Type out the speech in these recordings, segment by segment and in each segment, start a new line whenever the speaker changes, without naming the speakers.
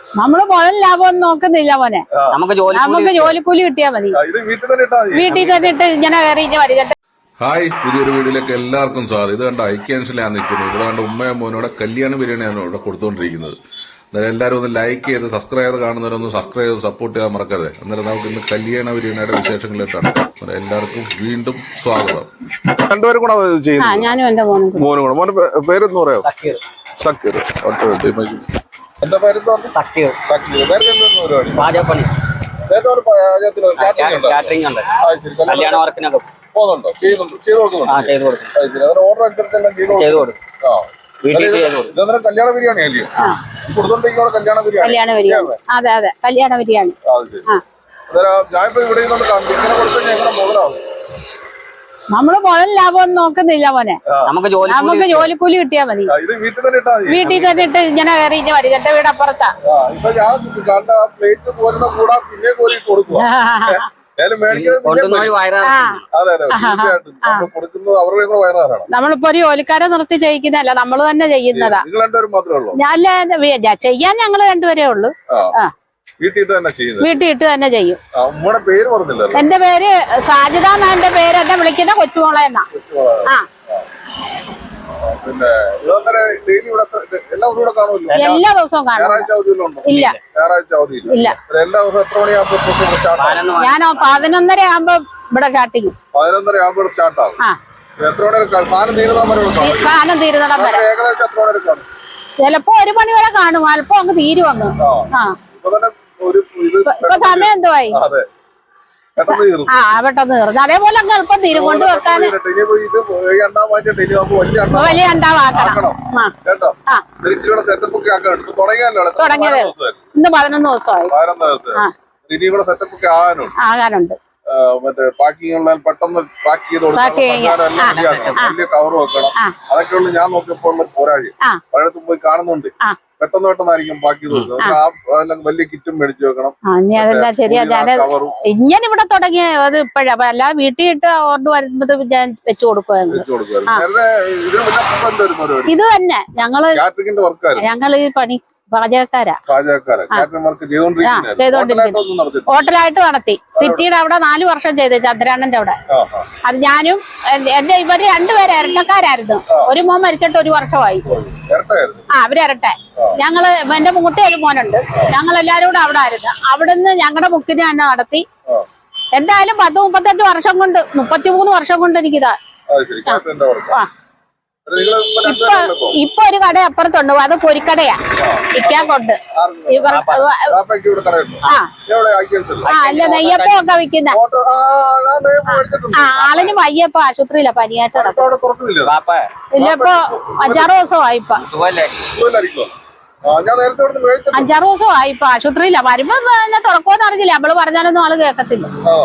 നമ്മള് മുതൽ ലാഭം നോക്കുന്നില്ല മോനെ. നമുക്ക് ജോലിക്കൂലി കിട്ടിയാൽ മതി. വീട്ടിൽ തന്നെ ഇട്ട് ഇങ്ങനെ കയറി മതി.
ഹായ്, പുതിയൊരു വീഡിയോയിലേക്ക് എല്ലാവർക്കും സ്വാഗതം. ഇത് കണ്ട ഐക്യാൻസിലാണ് നിൽക്കുന്നത്. ഇവിടെ കണ്ട ഉമ്മയും മോനോടെ കല്യാണ ബിരിയാണിയാണ് ഇവിടെ കൊടുത്തുകൊണ്ടിരിക്കുന്നത്. അന്നേരം എല്ലാവരും ഒന്ന് ലൈക്ക് ചെയ്ത് സബ്സ്ക്രൈബ് ചെയ്ത് കാണുന്നവരൊന്ന് സബ്സ്ക്രൈബ് ചെയ്ത് സപ്പോർട്ട് ചെയ്യാൻ മറക്കരുത്. അന്നേരം നമുക്ക് ഇന്ന് കല്യാണ ബിരിയാണിയുടെ വിശേഷങ്ങളിലേക്കാണ്. എല്ലാവർക്കും വീണ്ടും സ്വാഗതം. രണ്ടുപേരും കൂടെ ചെയ്യുന്നത്.
ഞാനും എന്റെ മോനും
കൂടെ. മോന്റെ പേരൊന്ന് പറയാമോ? സക്കീർ. എന്താ പേരെന്താ? സക്കീർ. പരിപാടി പാചകപ്പണി കല്യാണ വർക്കിനൊക്കെ പോകുന്നുണ്ടോ? ചെയ്തു കൊടുക്കുന്നുണ്ടോ? ഓർഡർ അനുസരിച്ചെല്ലാം ചെയ്തു കൊടുക്കും. കല്യാണ ബിരിയാണി അല്ലേ കൊടുത്തോണ്ടിരിക്കുന്ന? കല്യാണ ബിരിയാണി.
അതെ അതെ, കല്യാണ ബിരിയാണി.
ഞാനിപ്പോ ഇവിടെ ഇങ്ങനെ കൊടുത്തു എങ്ങനെ മുതലാവും?
നമ്മള് മുതൽ ലാഭം നോക്കുന്നില്ല മോനെ. നമുക്ക് ജോലിക്കൂലി കിട്ടിയാൽ മതി. വീട്ടിൽ തന്നെ ഇട്ട് ഇങ്ങനെ കയറി മതി. എന്റെ വീട് അപ്പുറത്താ. നമ്മളിപ്പോ ഒരു ജോലിക്കാരെ നിർത്തി ചെയ്യിക്കുന്നതല്ല, നമ്മള് തന്നെ ചെയ്യുന്നതാ. ഞാൻ ചെയ്യാൻ ഞങ്ങള് രണ്ടുപേരേ ഉള്ളു. വീട്ടിൽ ഇട്ട് തന്നെ ചെയ്യും. എന്റെ പേര് സാജിദ എന്നാ. എന്റെ പേര് എന്നെ വിളിക്കുന്ന കൊച്ചുമോളെ എന്നാ. എല്ലാ ദിവസവും കാണും. ഇല്ല ഇല്ല, ഞാൻ 11:30 ആകുമ്പോ ഇവിടെ സ്റ്റാർട്ടിങ്. 11:30 ആകുമ്പോൾ സ്റ്റാർട്ട് ആവും. സാധനം തീരുന്നിടം വരെ ചിലപ്പോ 1 മണി വരെ കാണും. അല്പം അങ്ങ് തീരും അങ്ങ്. ഇപ്പൊ സമയം എന്തുവായി? പെട്ടെന്ന് തീർന്നു. അതേപോലെ അങ്ങ് എളുപ്പം തീരും. കൊണ്ട് വെക്കാൻ വലിയ അണ്ടാവാക്കണം. തുടങ്ങിയത് ഇന്ന് 11 ദിവസമായി. ആകാനുണ്ട്.
പെട്ടെന്ന് പാക്ക് ചെയ്ത് വലിയ കവർ വെക്കണം. അതൊക്കെയുള്ള ഞാൻ നോക്കിയപ്പോൾ പോരാഴി പലയിടത്തും പോയി കാണുന്നുണ്ട്. പെട്ടെന്നായിരിക്കും പാക്ക് ചെയ്ത് കൊടുക്കുന്നത്. വലിയ കിറ്റും മേടിച്ചു വെക്കണം.
അതെല്ലാം ശരിയാ. ഇങ്ങനെ ഇവിടെ തുടങ്ങിയത് ഇപ്പഴാ. അല്ലാതെ വീട്ടിൽ ഇട്ട് ഓർഡർ വരുമ്പോ ഞാൻ വെച്ചു കൊടുക്കുവായിരുന്നു. ഇത് തന്നെ ഞങ്ങള് ഈ പണി പാചകക്കാരാ. ഹോട്ടലായിട്ട് നടത്തി. സിറ്റിയുടെ അവിടെ 4 വർഷം ചെയ്ത് ചന്ദ്രാനന്റെ അവിടെ. അത് ഞാനും എന്റെ ഇവര് രണ്ടുപേരും ഇരട്ടക്കാരായിരുന്നു. ഒരു മോൻ മരിച്ചിട്ട് 1 വർഷമായി. അവര് ഇരട്ടെ. ഞങ്ങള് എന്റെ മൂത്ത ഒരു മോനുണ്ട്. ഞങ്ങൾ എല്ലാരും കൂടെ അവിടെ ആയിരുന്നു. അവിടുന്ന് ഞങ്ങളുടെ ബുക്കിന് തന്നെ നടത്തി. എന്തായാലും 10-35 വർഷം കൊണ്ട് 33 വർഷം കൊണ്ട് എനിക്കിതാ. ഇപ്പൊ ഒരു കട അപ്പുറത്തുണ്ട്. അത് പൊരിക്കടയാ. ഇക്കാൻ കൊണ്ട് അല്ല നെയ്യപ്പം ഒക്കെ വിൽക്കുന്ന. ആളിന് വയ്യപ്പോ ആശുപത്രിയില്ല. പനിയായിട്ട് ഇല്ല. ഇപ്പൊ 5-6 ദിവസമായി. ഇപ്പൊ 5-6 ദിവസമായി. ഇപ്പൊ ആശുപത്രിയില്ല. വരുമ്പോ തുറക്കുമെന്ന് അറിഞ്ഞില്ല. നമ്മള് പറഞ്ഞാലൊന്നും ആള് കേൾക്കത്തില്ല.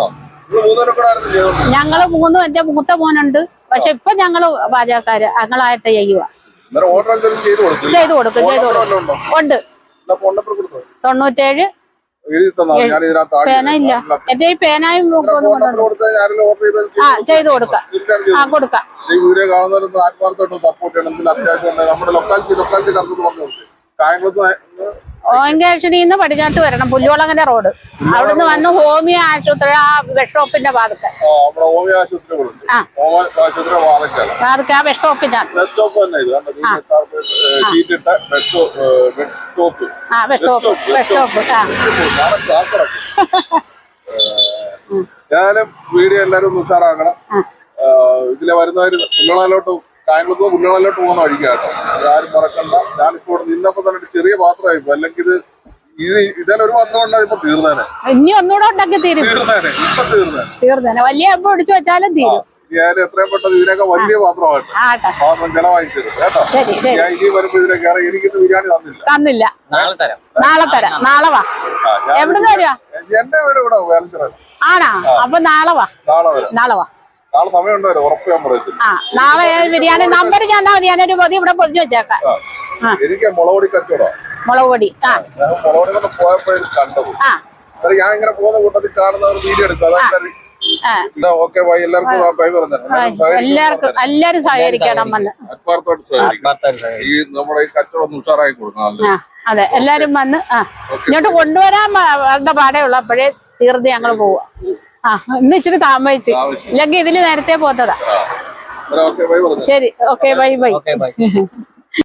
ഞങ്ങള് 3. എന്റെ മൂത്ത മോനുണ്ട്. പക്ഷെ ഇപ്പൊ ഞങ്ങള് പാചകക്കാര് ഞങ്ങളായിട്ട് ചെയ്യുക. ചെയ്തു കൊടുക്കും. ഉണ്ട്. 97 പേന ഇല്ല. എന്റെ ഈ പേനായും ചെയ്തു കൊടുക്കാം. കൊടുക്കാം.
വീഡിയോ കാണുന്നവരൊന്ന് ആത്മാർത്ഥമായിട്ട് സപ്പോർട്ട് ചെയ്യണം. അത്യാവശ്യം നമ്മുടെ ലൊക്കാലിറ്റി
ഓയങ്കാക്ഷനിന്ന് പടിഞ്ഞാട്ട് വരണം. പുല്ലുവളങ്ങര റോഡ്. അവിടുന്ന് വന്ന് ഹോമിയോ ആശുപത്രി ആ ബസ് സ്റ്റോപ്പിന്റെ ഭാഗത്ത്. ആ ബസ് സ്റ്റോപ്പിനാണ്.
ഞാനും വീഡിയോ എല്ലാരും ഒന്ന് ഉഷാറാക്കണം. ഇതിലെ വരുന്നവര് പുല്ലുകളോട്ട് പോകുന്ന വഴിക്കാട്ടോ. ആരും മറക്കണ്ട. ഞാനിപ്പോ നിന്നപ്പോ തന്നെ ചെറിയ പാത്രമായിപ്പോ. അല്ലെങ്കിൽ ഇതേ ഒരു പാത്രം ഉണ്ടായി ഇപ്പൊ തീർന്നേനെ.
ഇനി ഒന്നുകൂടെ ഉണ്ടാക്കി തീർന്നേനെ. വലിയ അമ്പ ഒടിച്ചു വെച്ചാലും തീരും.
ഞാൻ എത്രയും പെട്ടെന്ന് ഇതിനൊക്കെ വലിയ പാത്രമായിട്ട് പാത്രം ചെലവായി തരും കേട്ടോ. ഞാൻ ഇനി വരുമ്പോ ഇതിലേക്ക് എനിക്കിന്ന് ബിരിയാണി
തന്നില്ല. നാളെ തരാം. നാളെ വാ. എവിടെ വരുവാ?
എന്റെ വീട് ഇവിടെ വേലഞ്ചിറ.
ആണാ? അപ്പൊ നാളെ വാ. നാളെ
സമയം ഉണ്ടാവും. ഉറപ്പ് ഞാൻ പറയത്തില്ല.
നാളെ ബിരിയാണി നമ്പർ ഞാൻ ഞാനൊരു പൊതി ഇവിടെ പൊതിഞ്ഞു വെച്ചേക്കാം.
എനിക്ക് മുളകുപൊടി കച്ചവടം.
മുളകുപൊടി
മുളകുപൊടി പോയപ്പോഴും കണ്ടത്. ഞാൻ ഇങ്ങനെ പോകുന്ന കൂട്ടത്തിൽ കാണുന്നവർ വീഡിയോ എടുക്കും. Okay bye. എല്ലാവർക്കും ബൈ പറഞ്ഞു.
എല്ലാരും സഹകരിക്കണം.
ഈ നമ്മുടെ ഈ കച്ചവടം ഒന്ന് ഉഷാറായി കൊടുക്കണം.
അതെ എല്ലാരും വന്ന് ഇങ്ങോട്ട് കൊണ്ടുവരാൻ വന്ന പാടേ ഉള്ളു. അപ്പോഴേ തീർന്ന് ഞങ്ങൾ പോവാ. ഇന്ന് ഇച്ചിരി താമസിച്ച്, ഇല്ലെങ്കിൽ ഇതില് നേരത്തെ പോത്തതാ. ശരി, ഓക്കെ, ബൈ ബൈ.